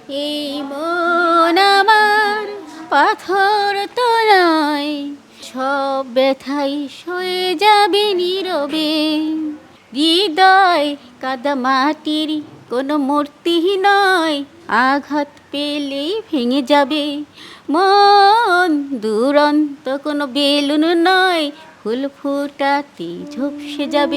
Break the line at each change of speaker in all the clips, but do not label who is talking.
এই মন আমার পাথর তো নয়, সব ব্যথাই সয়ে যাবে নীরবে। হৃদয় কাদা মাটির কোনো মূর্তি নয়, আঘাত পেলেই ভেঙে যাবে। মন দুরন্ত কোনো বেলুন নয়, ফুল ফুটাতে ঝুপসে যাবে।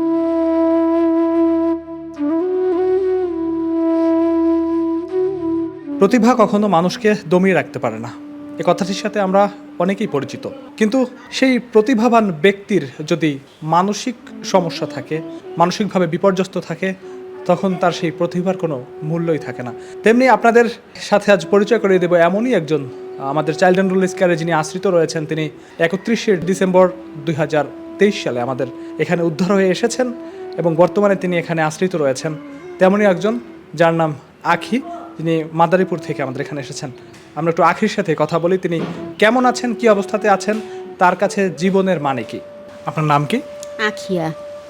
প্রতিভা কখনো মানুষকে দমিয়ে রাখতে পারে না, এ কথাটির সাথে আমরা অনেকেই পরিচিত। কিন্তু সেই প্রতিভাবান ব্যক্তির যদি মানসিক সমস্যা থাকে, মানসিকভাবে বিপর্যস্ত থাকে, তখন তার সেই প্রতিভার কোনো মূল্যই থাকে না। তেমনি আপনাদের সাথে আজ পরিচয় করিয়ে দেব এমনই একজন, আমাদের চাইল্ড অ্যান্ড রুরাল স্কেয়ারে যিনি আশ্রিত রয়েছেন। তিনি 31শে ডিসেম্বর 2023 সালে আমাদের এখানে উদ্ধার হয়ে এসেছেন এবং বর্তমানে তিনি এখানে আশ্রিত রয়েছেন। তেমনই একজন যার নাম আখি, তিনি মাদারীপুর থেকে আমাদের এখানে এসেছেন। আমরা একটু আখির সাথে কথা বলি, তিনি কেমন আছেন, কি অবস্থাতে আছেন, তার কাছে জীবনের মানে কি। আপনার নাম কি?
আখিয়া।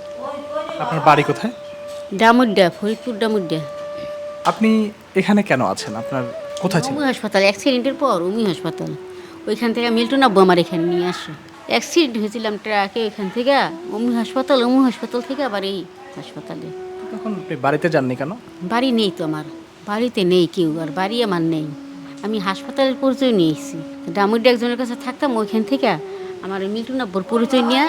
আপনার বাড়ি কোথায়?
ডামুড্ডা, ফরিদপুর ডামুড্ডা।
আপনি এখানে কেন আছেন? আপনার কোথায় ছিলেন?
উমি হাসপাতাল, অ্যাক্সিডেন্টের পর উমি হাসপাতাল। ওইখান থেকে মিল্টন আব্বু আমার এখানে নিয়ে আসে। অ্যাক্সিডেন্ট হয়েছিলাম ট্রাকে, ওইখান থেকে উমি হাসপাতাল থেকে আবার এই হাসপাতালে।
তখন আপনি বাড়িতে যাননি কেন?
বাড়ি নেই তো আমার, বাড়িতে নেই কেউ, আর বাড়ি আমার নেই। আমি হাসপাতালের পরিচয় নিয়ে এসেছি। ডামুড্ডা একজনের কাছে থাকতাম, ওইখান থেকে আমার মিল্টন আব্বুর পরিচয় নিয়ে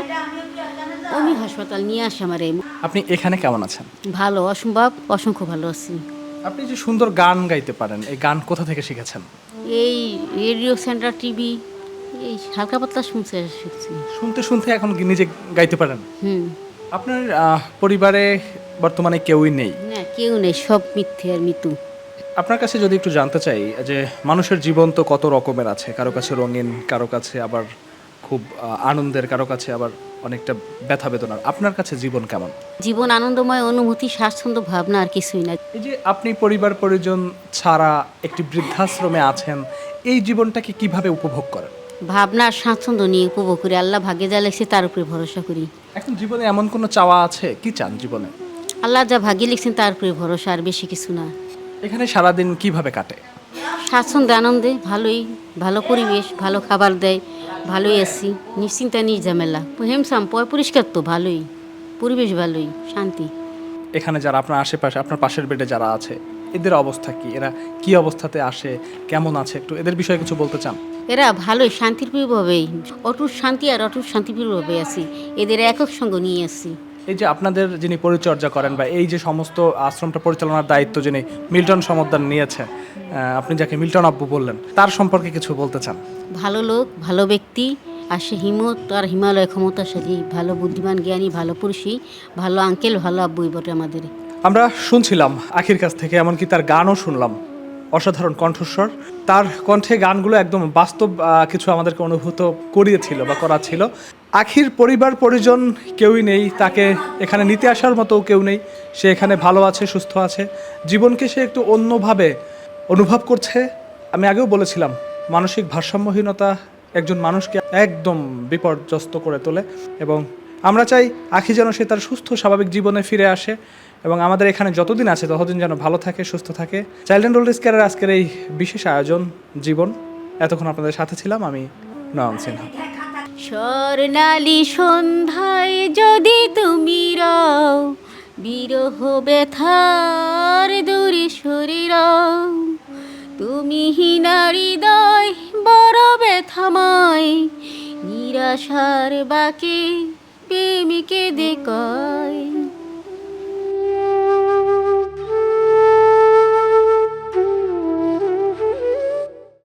উমি হাসপাতাল নিয়ে আসে আমার।
আপনি এখানে কেমন আছেন?
ভালো, অসম্ভব অসংখ্য ভালো আছি।
আপনি যে সুন্দর গান গাইতে পারেন, এই গান কোথা থেকে শিখেছেন?
এই রেডিও সেন্টার, টিভি, এই হালকা পাতলা শুনছে শিখছি।
শুনতে শুনতে এখন কি নিজে গাইতে পারেন?
হুম।
আপনার পরিবারে বর্তমানে কেউই নেই?
না, কেউ নেই, সব মিথ্যে আর মিতু।
আপনার কাছে যদি একটু জানতে চাই যে মানুষের জীবন তো কত রকমের আছে, কারো কাছে রঙিন, কারো কাছে আবার খুব আনন্দের, কারো কাছে আবার অনেকটা ব্যথা বেদনার। আপনার কাছে জীবন কেমন?
জীবন আনন্দময়, অনুভূতি, স্বাচ্ছন্দ্য, ভাবনা, আর কিছুই না।
এই যে আপনি পরিবার পরিজন ছাড়া একটি বৃদ্ধাশ্রমে আছেন, এই জীবনটাকে কিভাবে উপভোগ করেন?
ভাবনা আর স্বাচ্ছন্দ্য নিয়ে উপভোগ করি। আল্লাহ ভাগ্যে যা লিখছে তার উপরে ভরসা করি।
এখন জীবনে এমন কোনো চাওয়া আছে, কি চান জীবনে?
আল্লাহ যা ভাগ্যে লিখছেন তার উপরে ভরসা, আর বেশি কিছু না।
এখানে সারাদিন কিভাবে কাটে?
স্বাচ্ছন্দ্য, আনন্দে, ভালোই, ভালো পরিবেশ, ভালো খাবার দেয়, ভালোই আছি, নিশ্চিন্তা, নির্ঝামেলা, হেমসাম, পরিষ্কার তো, ভালোই পরিবেশ, ভালোই শান্তি।
এখানে যারা আপনার আশেপাশে, আপনার পাশের বেডে যারা আছে, এদের অবস্থা কি? এরা কি অবস্থাতে আসে, কেমন আছে, একটু এদের বিষয়ে কিছু বলতে চান?
এরা ভালোই, শান্তিপ্রিয়ভাবেই, অটুট শান্তি আর অটুট শান্তিপ্রিয়ভাবে আছি। এদের একক সঙ্গ নিয়ে আসছি।
এই যে আপনাদের যিনি পরিচর্যা করেন বা এই যে সমস্ত আশ্রমটা পরিচালনার দায়িত্ব যিনি মিল্টন সমদ্দার নিয়েছে, আপনি যাকে মিল্টন আব্বু বললেন, তার সম্পর্কে কিছু বলতে চান?
ভালো লোক, ভালো ব্যক্তি, আর সে হিমত আর হিমালয় ক্ষমতাশালী, ভালো বুদ্ধিমান, জ্ঞানী, ভালো পুরুষই, ভালো আঙ্কেল, ভালো আব্বুই বটে আমাদের।
আমরা শুনছিলাম আখির কাছ থেকে, এমনকি তার গানও শুনলাম। অসাধারণ কণ্ঠস্বর, তার কণ্ঠে গানগুলো একদম বাস্তব কিছু আমাদেরকে অনুভূত করিয়েছিল বা করাচ্ছিল। আখির পরিবার পরিজন কেউই নেই, তাকে এখানে নিতে আসার মতো কেউ নেই। সে এখানে ভালো আছে, সুস্থ আছে, জীবনকে সে একটু অন্যভাবে অনুভব করছে। আমি আগেও বলেছিলাম, মানসিক ভারসাম্যহীনতা একজন মানুষকে একদম বিপর্যস্ত করে তোলে এবং আমরা চাই আখি যেন সে তার সুস্থ স্বাভাবিক জীবনে ফিরে আসে এবং আমাদের এখানে যতদিন আছে ততদিন যেন ভালো থাকে, সুস্থ থাকে। চাইল্ড অ্যান্ড রুরাল স্কেয়ারের আজকের এই বিশেষ আয়োজন জীবন, এতক্ষণ আপনাদের সাথে ছিলাম আমি, নয়ন সিনহা।
স্বর্ণালী সন্ধ্যায় যদি তুমি রও, বিরহ ব্যথার দূরে সরে রও, তুমি হীনা হৃদয় বড় ব্যথাময়, নিরাশার বাকে